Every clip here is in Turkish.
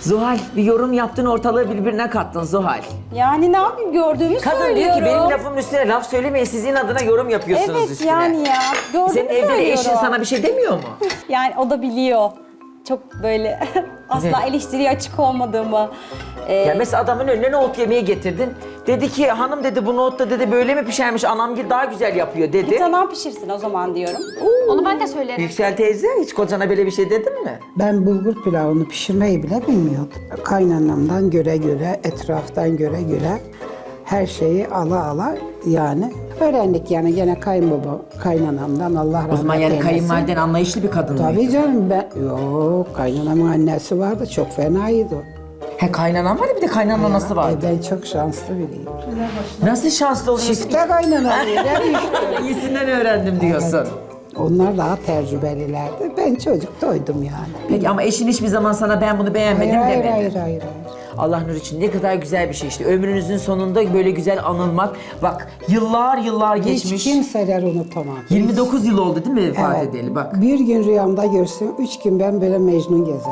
Zuhal bir yorum yaptın, ortalığı birbirine kattın Zuhal. Yani ne yapayım, gördüğümü Kadın söylüyorum. diyor ki benim lafımın üstüne laf söylemeyin, sizin adına yorum yapıyorsunuz Evet üstüne. yani ya. Gördüğümü Senin evde de söylüyorum. eşin sana bir şey demiyor mu? Yani o da biliyor. Çok böyle asla Evet. eleştiriye açık olmadığımı. Ya mesela adamın önüne nohut yemeği getirdin. Dedi ki hanım dedi bu nohut da dedi böyle mi pişermiş, anam daha güzel yapıyor dedi. Git anam pişirsin o zaman diyorum. Onu ben de söylerim. Yüksel teyze hiç kocana böyle bir şey dedin mi? Ben bulgur pilavını pişirmeyi bile bilmiyordum. Kaynanamdan göre göre, etraftan göre göre her şeyi ala ala yani öğrendik yani gene kayınbaba, kaynanamdan Allah rahmet O zaman yani eylesin. kayınvaliden anlayışlı bir kadın mıydı? Tabii canım yok kaynanamın annesi vardı çok fenaydı o. He kaynanan vardı, bir de kaynananın anası vardı. Ben çok şanslı biriyim. Nasıl şanslı oluyorsun? Çifte kaynanam işte. İyisinden öğrendim diyorsun. Onlar daha tecrübelilerdi. Ben çocuk doydum yani. Peki ama eşin hiçbir zaman sana ben bunu beğenmedim Hayır, demedi. hayır. Allah nur için ne kadar güzel bir şey işte. Ömrünüzün sonunda böyle güzel anılmak. Bak yıllar geçmiş. Hiç kimseler unutamam. 29 yıl oldu değil mi vefat Evet. edeli bak. Bir gün rüyamda görsem 3 gün ben böyle Mecnun gezerim.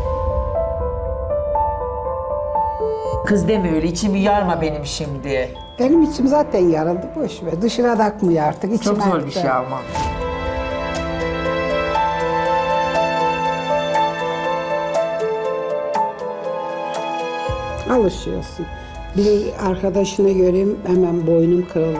Kız deme öyle, içimi yarma benim şimdi. Benim içim zaten yarıldı boş ver. Dışına da akmıyor artık. İçim Çok zor bir aktı. şey ama. Alışıyorsun. Bir arkadaşını göreyim hemen boynum kırılır.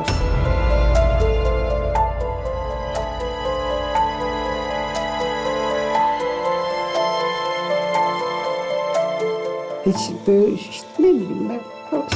Hiç böyle işte ne bileyim ben.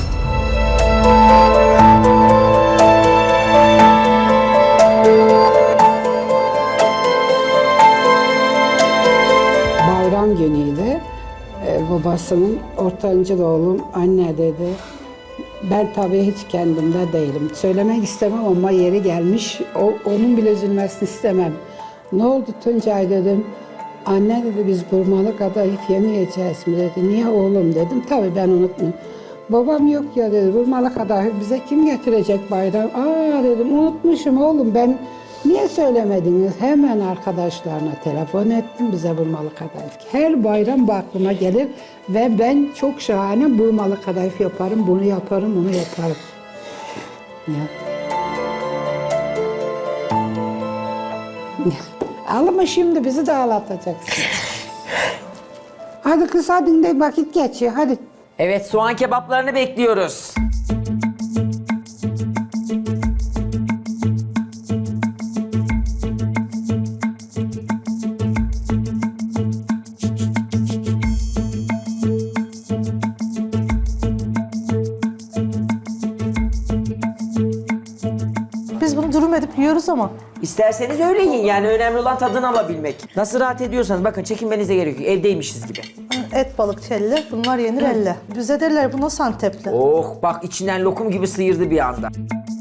Bayram günüydü. Babasının ortanca oğlum anne dedi. Ben tabii hiç kendimde değilim. Söylemek istemem ama yeri gelmiş. Onun bile üzülmesini istemem. Ne oldu Tuncay dedim. Anne dedi biz burmalı kadayıf yemeyeceğiz mi dedi. Niye oğlum dedim. Tabii ben unutmuyorum. Babam yok ya dedi. Burmalı kadayıf bize kim getirecek bayram? Aa dedim unutmuşum oğlum ben. Niye söylemediniz? Hemen arkadaşlarına telefon ettim bize burmalı kadayıf. Her bayram bu aklıma gelir ve ben çok şahane burmalı kadayıf yaparım, bunu yaparım, bunu yaparım. Ya. Ağlama şimdi bizi de ağlatacaksın. Hadi kız hadi de vakit geçiyor hadi. Evet, soğan kebaplarını bekliyoruz. Biz bunu dürüm edip yiyoruz ama. İsterseniz öyle yiyin, yani önemli olan tadını alabilmek. Nasıl rahat ediyorsanız bakın, çekinmenize gerek yok, evdeymişiz gibi. Et balık kelle, bunlar yenir elle. Bize derler bu nasıl Antepli? Oh bak, içinden lokum gibi sıyırdı bir anda.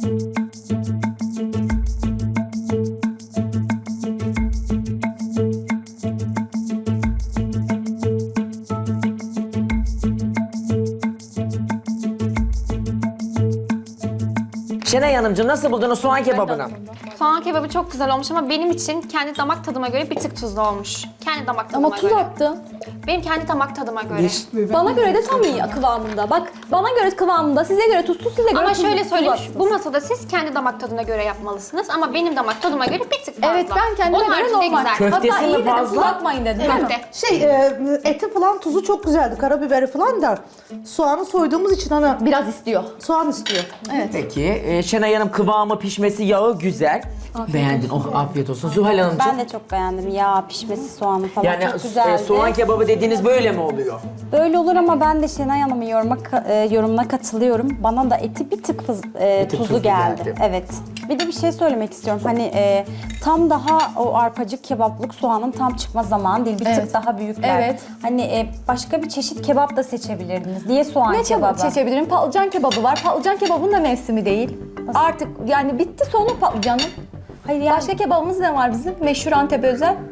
Şenay Hanımcığım, nasıl buldunuz soğan kebabını? Soğan kebabı çok güzel olmuş ama benim için kendi damak tadıma göre bir tık tuzlu olmuş. Kendi damak tadıma Ama tuz göre. attın. Benim kendi damak tadıma göre. Bana göre de tam iyi kıvamında. Bak bana göre kıvamında, size göre tuzsuz, size göre Ama tuzlu. şöyle tuz söyleyeyim, attınız. bu masada siz kendi damak tadına göre yapmalısınız ama benim damak tadıma göre bir tık fazla. Evet ben kendime Onun göre haricinde normal. güzel. Köftesi Hatta mi iyi dedim, fazla? tuz atmayın dedim. değil mi? Köfte. Eti falan tuzu çok güzeldi, karabiberi falan da. Soğanı soyduğumuz için ana Biraz istiyor. soğan istiyor. Evet. Peki, Şenay Hanım kıvamı, pişmesi, yağı güzel. Beğendin, oh afiyet olsun. Zuhal Hanımcığım. Ben de çok beğendim. Yağ pişmesi, soğanı falan Yani çok güzeldi. soğan kebabı dediğiniz böyle mi oluyor? Böyle olur ama ben de Şenay Hanım'ın yorumuna katılıyorum. Bana da eti bir tık tuzlu geldi. Evet. Bir de bir şey söylemek istiyorum. Hani tam daha o arpacık kebaplık soğanın tam çıkma zamanı değil. Bir Evet. tık daha büyükler. Evet. Hani başka bir çeşit kebap da seçebilirdiniz. Niye soğan Ne kebabı? seçebilirim? Patlıcan kebabı var. Patlıcan kebabının da mevsimi değil. Artık yani bitti sonu patlıcanın. Hayır yani Başka kebabımız ne var bizim? Meşhur Antep özel.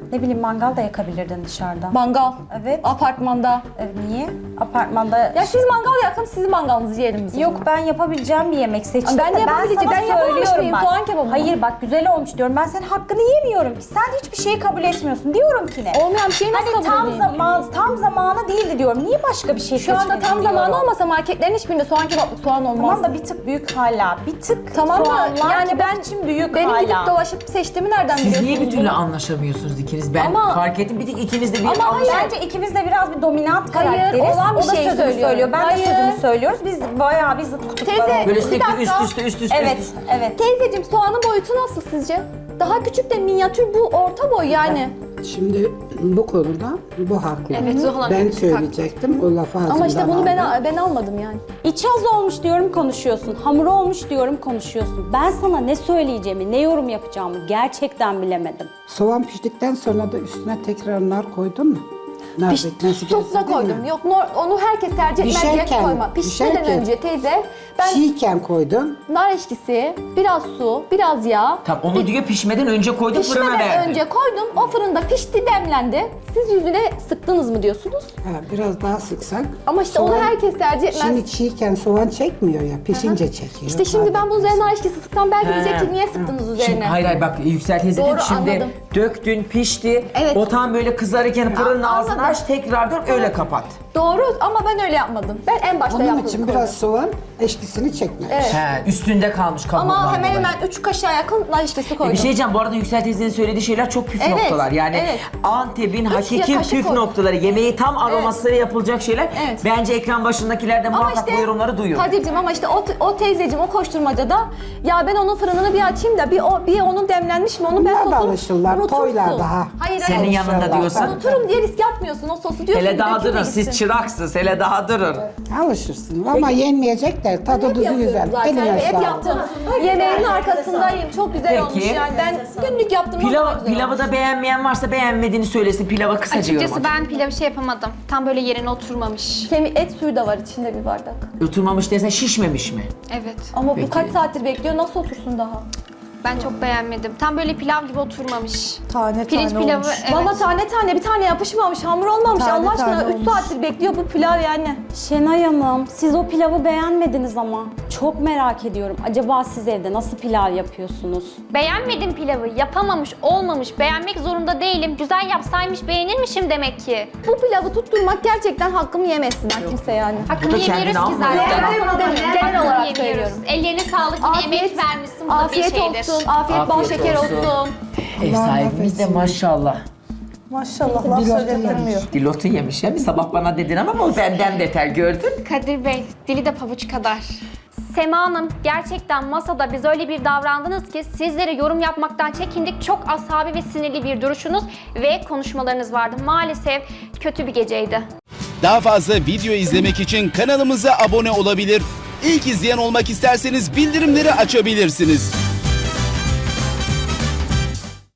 Ne bileyim mangal da yakabilirdin dışarıda. Mangal. Evet. Apartmanda. Niye? Apartmanda... Ya siz mangal yakın, sizin mangalınızı yiyelim biz. Yok, ben yapabileceğim bir yemek seçtim. Ben de yapabileceğim. Ben yapamamış mıyım? Soğan kebabı mı? Hayır bak, güzel olmuş diyorum. Ben senin hakkını yemiyorum ki. Sen hiçbir şeyi kabul etmiyorum diyorum ki ne? Olmayan bir şeyi nasıl Hani kabul edeyim? tam zamanı değildi diyorum. Niye başka bir şey Şu anda seçmedin tam diyorum. zamanı olmasa marketlerin hiçbirinde soğan kebaplık soğan olmaz. Tamam da bir tık büyük hala. Bir tık Tamam da soğanlar yani kebap ben için büyük benim hala. gidip dolaşıp seçtiğimi nereden Siz biliyorsunuz? niye bir türlü bunu? anlaşamıyorsunuz ikiniz? Ben Ama- fark ettim. Bir tek ikiniz de bir Ama hayır. Bence ikimiz de biraz bir dominant Hayır, karakteriz. olan bir O da şey sözünü söylüyor. söylüyor. Ben Hayır. de sözünü söylüyoruz. Biz bayağı bir zıt kutuplar Teyze, olduk. Böyle Bir sürekli dakika. üst üste. Evet, evet. Teyzeciğim soğanın boyutu nasıl sizce? Daha küçük de minyatür, bu orta boy yani. Şimdi bu konuda bu haklı. Evet, Zuhal Hanım Ben çok söyleyecektim, o lafı ağzımdan Ama işte bunu aldı. ben almadım yani. İç az olmuş diyorum konuşuyorsun. Hamur olmuş diyorum konuşuyorsun. Ben sana ne söyleyeceğimi, ne yorum yapacağımı gerçekten bilemedim. Soğan piştikten sonra da üstüne tekrar nar koydun mu? Nar bekmesi Sosla gerekir değil koydum. mi? Yok onu herkes tercih etmez diye Pişerken, koyma. Pişmeden pişerken. önce teyze ben Çiğken koydun. nar eşkisi, biraz su, biraz yağ. Tamam onu diyor pişmeden önce koydum fırına Pişmeden verdim. önce koydum. O fırında pişti, demlendi. Siz yüzüne sıktınız mı diyorsunuz? Ha, biraz daha sıksak. Ama işte onu herkes tercih etmez. Şimdi çiğken soğan çekmiyor ya, pişince çekiyor. İşte şimdi ben bunun üzerine nar eşkisi sıksam belki diyecek ki niye sıktınız üzerine? Şimdi, hayır bak Yüksel teyze dedi Doğru, ki şimdi anladım. döktün pişti. Evet. O tam böyle kızarırken fırının ağzını anladım. aç tekrar dön öyle kapat. Doğru ama ben öyle yapmadım. Ben en başta Onun yaptım. için biraz soğan eşkisini çekmek. Evet. He, üstünde kalmış kabuğundan Ama hemen dolayı. hemen 3 kaşığa yakın nar eşkisi koydum. Bir şey diyeceğim bu arada Yüksel teyzenin söylediği şeyler çok püf Evet, noktalar. Yani evet. Antep'in hakiki kaşık püf koydum. noktaları, yemeği tam aromasıyla yapılacak şeyler. Evet. Bence ekran başındakiler de Ama muhakkak işte bu yorumları duyuyor. Kadir'cim ama işte o teyzeciğim o koşturmacada ya ben onun fırınını bir açayım da bir onun demlenmiş mi onu ben Bunlar da sosu alışırlar, unutursun. toylar daha. Hayır Senin hayır. yanında Alışırlar. diyorsan. Unuturum diye risk atmıyorsun o sosu diyorsun. Hele daha döküme durun gitsin. siz çıraksınız hele daha durun. Alışırsın ama yenmeyecekler. Tadı Hep tuzu yapıyorum güzel. zaten. Eline Hep sağlık. yaptım. Yemeğin arkasındayım. Çok güzel Peki. olmuş yani. Ben günlük yaptım. Pilavı da beğenmeyen varsa beğenmediğini söylesin. Pilava kısaca yorum Açıkçası atın. ben pilavı şey yapamadım. Tam böyle yerine oturmamış. Et suyu da var içinde bir bardak. Oturmamış desen şişmemiş mi? Evet. Ama Peki. bu kaç saattir bekliyor, nasıl otursun daha? Ben çok beğenmedim. Tam böyle pilav gibi oturmamış. Tane Pirinç tane pilavı olmuş. evet. Valla tane tane bir tane yapışmamış, hamur olmamış. Tane Allah aşkına tane 3 olmuş. saattir bekliyor bu pilav yani. Şenay Hanım, siz o pilavı beğenmediniz ama. Çok merak ediyorum. Acaba siz evde nasıl pilav yapıyorsunuz? Beğenmedim pilavı. Yapamamış, olmamış. Beğenmek zorunda değilim. Güzel yapsaymış beğenirmişim demek ki. Bu pilavı tutturmak gerçekten hakkımı yemesinler kimse yani. Hakkını Bu da kendini yemiyoruz ki almıyor. zaten. Genel olarak Yemiyoruz. söylüyorum. Ellerine sağlık. Yine emek vermişsin. Bu da bir afiyet şeydir. olsun, afiyet bal Afiyet şeker olsun. olsun. Ev sahibimiz de maşallah. Maşallah laf söyletilmiyor. Dilotu yemiş ya. Bir sabah bana dedin ama o benden beter gördün. Kadir Bey, dili de pabuç kadar. Sema Hanım, gerçekten masada biz öyle bir davrandınız ki sizlere yorum yapmaktan çekindik. Çok asabi ve sinirli bir duruşunuz ve konuşmalarınız vardı. Maalesef kötü bir geceydi. Daha fazla video izlemek için kanalımıza abone olabilir. İlk izleyen olmak isterseniz bildirimleri açabilirsiniz.